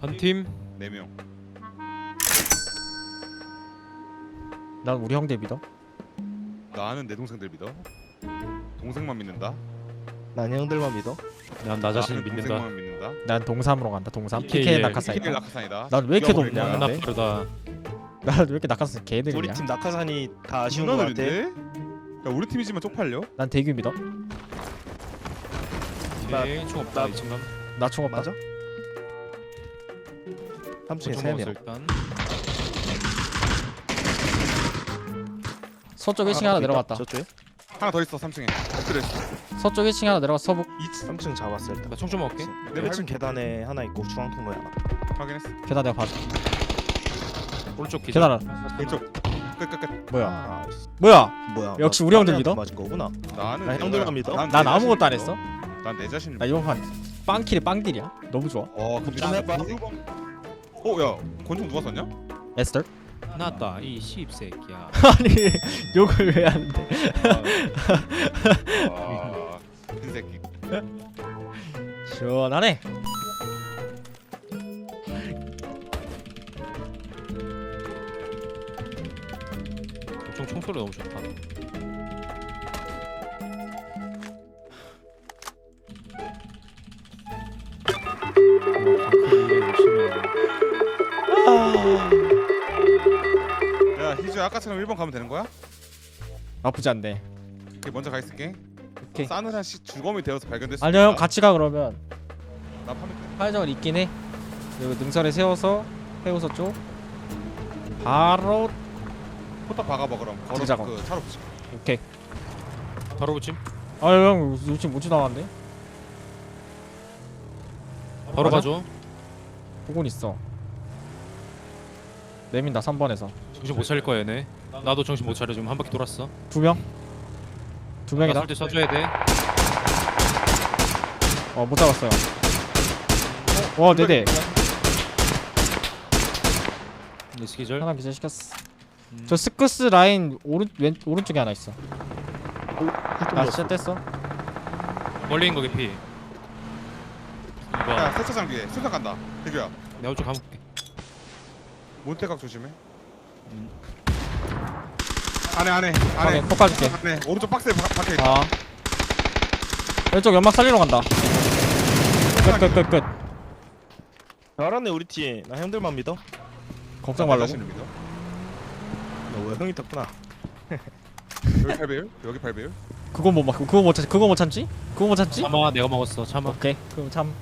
한 팀. 4명. 난 우리 형들 믿어. 나는 내 동생들 믿어. 동생만 믿는다. 난 형들만 믿어. 난 나 자신을 나는 믿는다. 동생만 믿는다. 난 동삼으로 간다. 동삼. PK PK 예. 낙하산이다. PK 낙하산이다. 난 왜 이렇게 죽여버릴 높냐? 거야. 나 근데? 다르다. 난 왜 이렇게 낙하산 개들이냐? 우리 팀 낙하산이 다 아쉬운 존나 거 같아. 느린데? 야 우리 팀이지만 쪽팔려? 난 대규 믿어. 오케이. 총 없다. 나- 이 친구. 나 총 없다. 맞아? 3층에 3명. 일단. 서쪽 1층에 하나 내려갔다. 저쪽에? 하나 더 있어 3층에. 엎드려 있어. 서쪽 1층에 하나 내려가. 서북 3층 잡았어 일단. 나 총 좀 먹게. 내 1층 계단에 하나 있고 중앙 통로에 하나. 확인했어. 계단 내가 봐줘. 오른쪽 기절. 계단 하나. 왼쪽. 끝. 뭐야? 아, 뭐야? 뭐야? 역시 나 우리 형들 딴 애한테 믿어? 맞은 거구나. 나는 나 형들만 믿어? 난 난 내 아무것도 자신을 안 믿어. 했어. 난 내 자신을 나 믿어. 이번 판 빵킬이 빵딜이야. 너무 좋아. 근데 좀 나 해봐. 야 권총 누가 썼냐? 에스터? 나다 이 씹새끼야. 아니 욕을 왜 하는데? 흰새끼. 시원하네. 총 총소리 너무 좋다. 야 희주야 아까처럼 1번 가면 되는 거야? 나쁘지 않네. 오케이, 먼저 가 있을게. 오케이. 싸늘한 주검이 되어서 발견됐어. 아니요 형 같이 가 그러면. 나 파면 돼. 사회적은 있긴 해. 그리고 능선에 세워서 해우서 쪽 바로 포탑 박아봐 그럼. 걸어 들자고. 그 차로 붙여. 오케이. 바로 붙임. 아유 형 요즘 못지 나왔는데? 바로 맞아? 가줘. 보곤 있어. 내민다 3번에서 정신 못 차릴 거야 얘네. 나도 정신 못 차려 지금 한 바퀴 돌았어. 2명? 2명이다. 나설때 쏴줘야 돼. 못 잡았어요. 와 네네. 네스 기절. 하나 기절시켰어. 저 스크스 라인 오른쪽에 하나 있어. 나 진짜 뗐어. 멀리 있는 거 개피. 야 2번. 세차장 뒤에 수상 간다. 대규야. 내가 오쪽 가볼게. 몬테각 조심해. 음. 안에 안에 폭 가줄게. 안에 오른쪽 박스에 박혀 있다. 아 왼쪽 연막 살리러 간다. 끝. 잘하네 우리 팀. 나 형들만 믿어. 걱정 말라고. 자신을 믿어. 너왜 형이 떴구나. 여기 8배율? 여기 8배율? 그건 못 맞고 그거 못 참지? 그거 못 참지? 참아 내가 먹었어. 참아. 오케이. 그럼 참.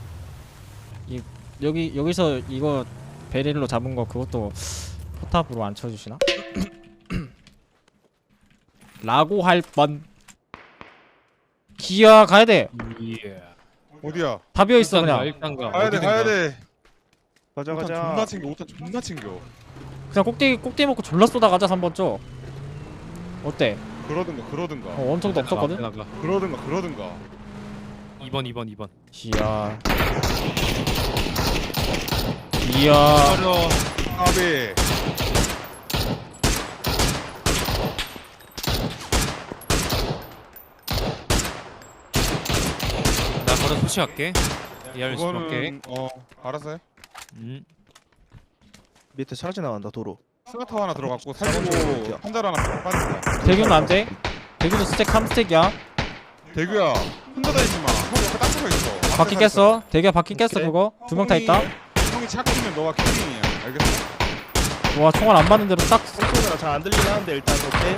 여기서 이거 베릴로 잡은 거 그것도 포탑으로 안 쳐주시나? 라고 할 뻔. 기아 가야 돼. 예. 어디야? 다 비어 있어 그냥. 일단 가. 가야 돼 어디든가. 가야 돼. 가자 오탄 존나 가자. 챙겨. 오탄 존나 챙겨. 그냥 꼭대기 먹고 졸라 쏘다 가자 3번 쪽. 어때? 그러든가. 엄청도 없었거든. 나가. 그러든가. 2번. 기아. 기아. 차려. 까비. 나 바로 소시할게. 이해할 수 없게. 그거는 알았어 해. 밑에 차지 나간다 도로. 스나타워 하나 들어갔고 잡아줘, 살리고 이렇게. 한달 하나 빠진다. 대규는 안 돼. 대규는 스택 3스택이야. 대규야 혼자 다니지 마. 형 옆에 딱 붙어 있어. 바퀴 깼어. 대규야 바퀴 깼어 오케이. 그거. 2명 다 있다. 형이 착하면 너가 킬링이야. 알겠어? 와 총알 안 받는 대로 딱. 소리가 잘 안 들리긴 하는데 일단 오케이.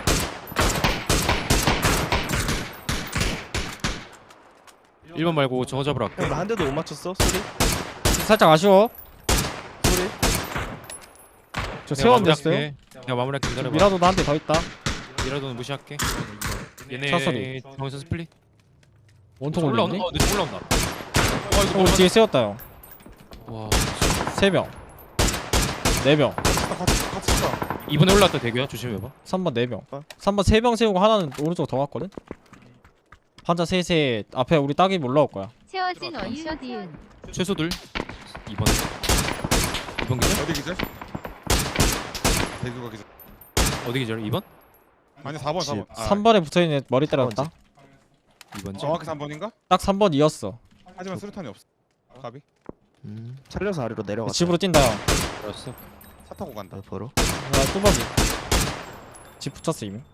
1번 말고 저거 잡으러 갈게. 형 나 한 대도 못 맞췄어 소리. 살짝 아쉬워. 소리. 저 세원 됐어요. 내가 마무리할게. 기다려봐. 미라도도 한 대 더 있다. 미라도는 무시할게. 얘네 차소리. 정선 스플릿. 원통 올라온다. 올리네. 내 올라온다. 와 이거 우리 뒤에 세웠다 형. 와. 3명. 4명. 같이 가. 2번에 올라왔다 대규야. 조심해봐. 3번 4명. 어? 3번 3명 세우고 하나는 오른쪽 더 갔거든. 환자 셋에 앞에 우리 딱이 올라올 거야. 채워진 원샷 이은 최소들. 2번. 2번 기절? 어디 기절? 대규가 기절. 어디 기절? 2번? 아니 4번. 3번에 붙어있는 애 머리 때렸다. 2번지. 정확히 3번인가? 딱 3번이었어. 하지만 수류탄이 없어. 가비. 살려서 아래로 내려가. 집으로 뛴다 형. 알았어. 차 타고 간다. 보러. 아 뚜벅이. 집 붙였어 이미.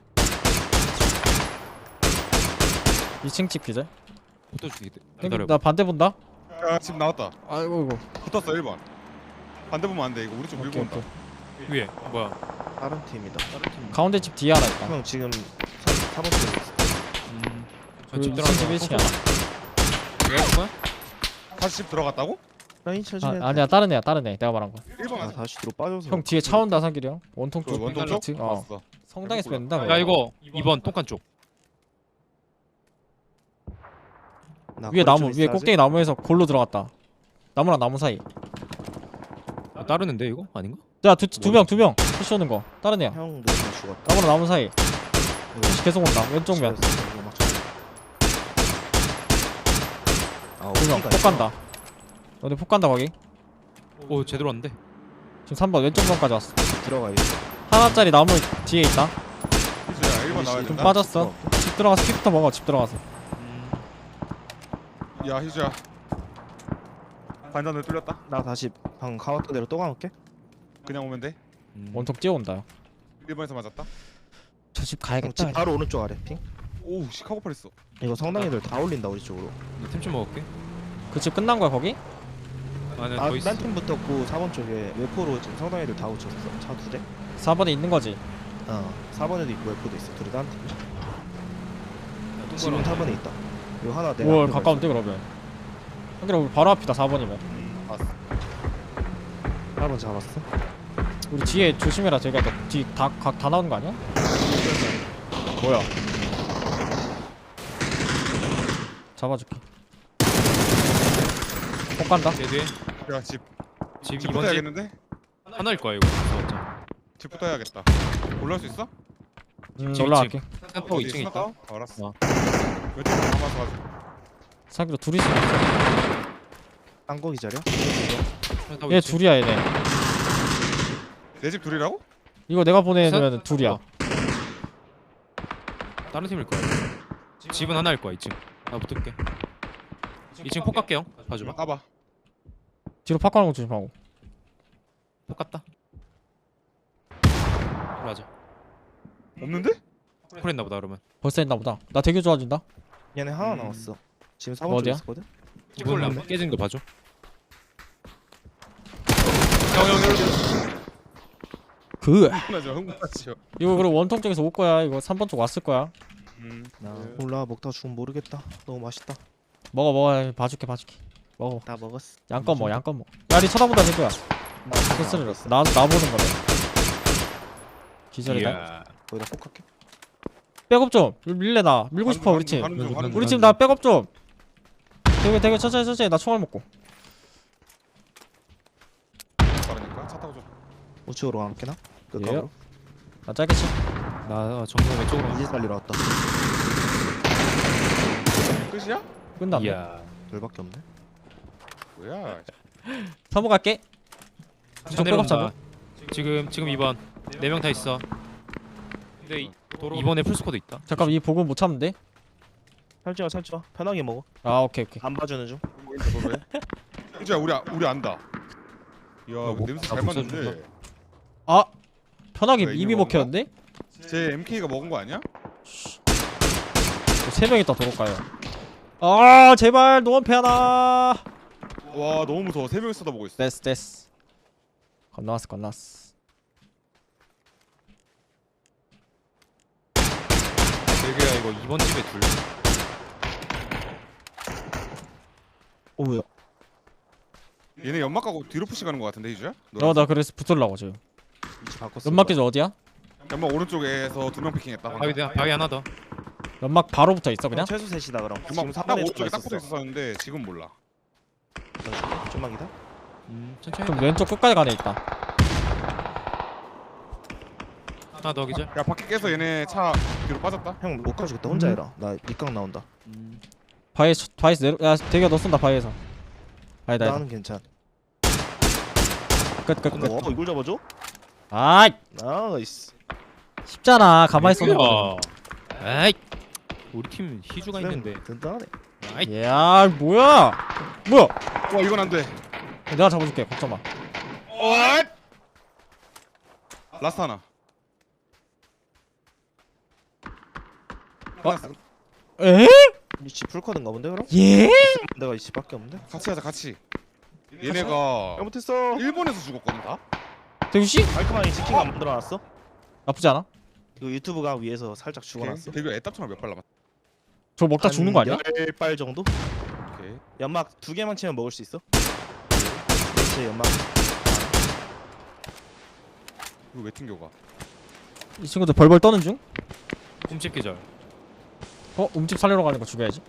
2층 집 기절. 붙어주기. 형님 기다려. 나 반대 본다. 야, 집 나왔다. 아이고 이거. 붙었어 1번. 반대 보면 안 돼. 이거 우리 쪽 밀고 오케이 온다. 오케이. 위에 뭐야? 다른 팀이다. 가운데 집 뒤에 하나 있다. 형 지금 4번 팀에 있어. 저집 그 들어가서. 집 1층이야. 내가 본 거야? 다시 집 들어갔다고? 라인 쳐지네. 아니야 다른 애야 다른 애. 내가 말한 거. 1번 아 아직 다시 뒤로 빠져서. 형 뒤에 차 온다 상길이 형. 원통 그 쪽. 원통 쪽? 그치? 어. 봤어. 성당에서 뺀다. 야 이거 2번 똥간 쪽. 나 위에 거리 나무 좀 위에 있어야지. 꼭대기 나무에서 골로 들어갔다. 나무랑 나무 사이. 아, 따르는데 이거 아닌가? 야두 명 푸시 오는 거. 다른 애야. 형도 지금 죽었다. 나무랑 나무 사이. 푸시 계속 온다. 왼쪽 면. 아, 2명. 폭 간다. 너네 폭 간다 거기. 오 제대로 왔는데. 지금 3번 왼쪽 면까지 왔어. 들어가야 하나짜리 나무 뒤에 있다. 희주야 1번 나와야 좀 된다. 빠졌어. 집 들어가서 킥부터 먹어. 집 들어가서. 야 희주야. 반전을 뚫렸다. 나 다시 방 가왔던 대로 또 가볼게. 그냥 오면 돼. 원통 뛰어온다. 형. 1번에서 맞았다. 저 집 형, 가야겠다. 집 바로 오른쪽 아래 핑. 오우 시카고팔 했어. 이거 성당 애들 다 올린다 우리 쪽으로. 템좀 먹을게. 그 집 끝난 거야 거기? 아네 더 있어. 딴팀 붙었고 4번 쪽에 웨포로 지금 성당 애들 다 붙였어. 차 2대. 4번에 있는 거지. 4번에도 있고 웨포도 있어. 둘이 딴 팀. 야, 지금 똥간 4번에 있다. 이거 하나 내가. 뭘 앞에 가까운데 그러면. 형님 우리 바로 앞이다 4번이면. 봤어. 4번 잡았어. 우리 뒤에 조심해라. 저기가 뒤다각 다 나오는 거 아니야? 뭐야? 잡아줄게. 폭 간다. 제 뒤에 야 집. 집 집부터 2번 집 해야겠는데? 하나일 거야 이거. 맞자. 집부터 해야겠다. 올라올 수 있어? 지금 올라갈게. 템포 어디 2층 있어? 있다. 알았어. 어. 왼쪽으로 남아서 가지고. 사기로 둘이 있어. 딴거 기다려. 얘 둘이야 얘네. 내 집 둘이라고? 이거 내가 보내면 둘이야. 어. 다른 팀일 거야. 집은 하나일 거야 2층. 나 붙을게. 2층 폭 갈게요. 봐줘봐. 까봐. 뒤로 파크하는 거 조심하고. 폭 갔다. 맞아. 없는데? 콜했나 보다 그러면. 벌써 했나 보다. 나 되게 좋아진다. 얘네 하나 남았어. 지금 4번 쪽에 어디야? 있었거든. 기본을 한번 깨지는 거 봐줘. 그 흥분하죠. 흥분하죠. 이거 그리고 원통 쪽에서 올 거야. 이거 3번 쪽 왔을 거야. 나 몰라 먹다 죽으면 모르겠다. 너무 맛있다. 먹어. 봐줄게. 먹어. 다 먹었어. 양껏 먹어. 야니 쳐다본다 될 거야. 소스를 나 보는 거네. 기절이다. 이야. 거기다 폭할게. 백업 좀 밀래 나 밀고 싶어 우리 팀. 우리 팀 나 백업 좀. 되게 천천히 나 총알 먹고. 빠르니까 차 타고 좀. 우측으로 갈게 나. 예. 끝으로. 나 짧게 치. 나 정면 왼쪽으로. 이제 살리러 왔다. 끝이야? 끝났네. 이야. 둘밖에 없네. 뭐야? 3번 갈게. 차 내려온다. 지금 2번 4명 다 있어. 근데 이번에 풀스쿼드 있다. 잠깐 이 보급 못 참는데? 살찌마. 편하게 먹어. 아 오케이. 안 봐주는 중. 희주야 우리 안다. 이야 뭐, 냄새 나 잘 벌써 맞는데. 아 편하게 왜, 이미 이거 먹혔는데? 제 MK가 먹은 거 아니야? 3명 있다 도로가요. 아 제발 노원패 하나. 와 너무 무서워. 3명이 쳐다보고 있어. 됐어. 건너왔어. 대게야 이거 2번 집에 둘. 오 뭐야? 얘네 연막 가고 뒤로 푸시 가는 거 같은데 희주야? 나 그래서 붙으려고 지금. 위치 바꿨어. 연막 계좌 어디야? 연막 오른쪽에서 2명 피킹했다. 바위 하나 더. 연막 바로 붙어 있어 그냥? 최소 셋이다 그럼. 지금 연막 딱 3번에 오른쪽에 딱 있었어. 붙어 있었는데 지금 몰라. 좀만 기다. 천천히. 좀 왼쪽 끝까지 가네 있다. 하나 더 기절. 야 바퀴 깨서 얘네 차 뒤로 빠졌다. 형 못 가주겠다. 혼자 해라. 나 밑강 나온다. 바위에서 내려. 야 대기야 너 쏜다 바위에서. 아니다. 나는 괜찮. 끝. 와 이걸 잡아줘? 아이 나이스. 쉽잖아. 가만히 쏘는 거. 에이. 우리 팀 희주가 있는데. 든든하네. 아이. 야 뭐야? 와 이건 안 돼. 내가 잡아줄게. 걱정 마. 라스트 하나. 에? 이집 풀커든가 본데 그럼? 예? 내가 이 집밖에 없는데? 같이 하자 같이. 얘네가 잘못했어. 일본에서 죽었거든 다. 대구씨? 깔끔하게 치킨 안 만들어놨어? 나쁘지 않아? 이거 유튜브가 위에서 살짝 죽어놨어. 대규 애답처럼 몇 발 남았. 저 먹다 죽는 거 아니야? 10발 정도? 오케이. 연막 2개만 치면 먹을 수 있어? 제 연막 이거 왜 튕겨가? 이 친구들 벌벌 떠는 중? 홈집 기절. 움집 살리러 가는 거 죽여야지.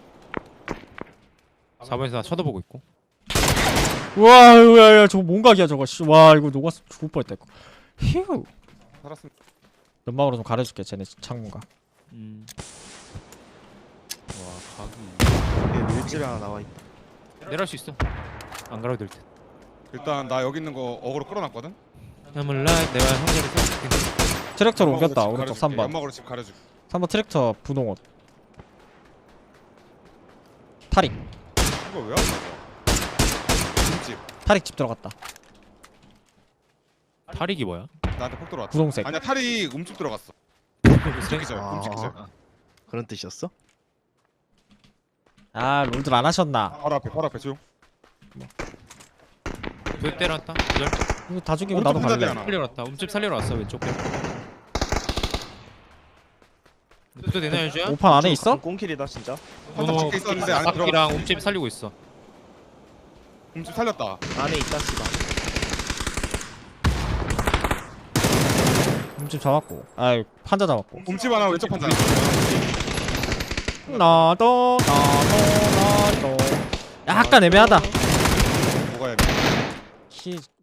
4번에서 나 쳐다보고 있고. 우와, 야, 저거 뭔각이야 저거. 씨, 와, 이거 녹았어. 죽을 뻔했다 이거. 휴. 살았으면. 연막으로 좀 가려줄게. 쟤네 창문가. 와 각이. 여기 물집이 하나 나와있다. 내려갈 수 있어. 안 가려도 될 듯. 일단 나 여기 있는 거 어그로 끌어놨거든. 야물 라이브 내가 형제를 써. 트랙터로 연막으로 옮겼다. 집 오른쪽 가려줄게. 3번. 연막으로 집 가려줄게. 3번 트랙터 분홍 옷. 타릭. 이거 왜 안 맞아? 김집. 타릭 집 들어갔다. 탈익이 뭐야? 나한테 폭 들어왔다. 분홍색. 아니야 탈이 움집 들어갔어. 기절. 아. 움집 기절. 그런 뜻이었어? 아, 롤들 안 하셨나? 바로 앞에 조용. 그 때렸다. 기절. 이거 다 죽이면 나도 오른쪽 갈래. 혼자 살리러 왔다. 홈집 살리러 왔어 왼쪽 편. 또 되나 유주야? 오판 안에 있어? 꽁킬이다 진짜. 한장 밖에 있었는데 안에 들어가. 랑 홈집 살리고 있어. 움집 살렸다. 안에 있다 씨발. 움집 잡았고. 아이, 판자 잡았고. 움집 하나 왼쪽 판자. 나도. 약간 애매하다. 뭐가 해야 돼? 키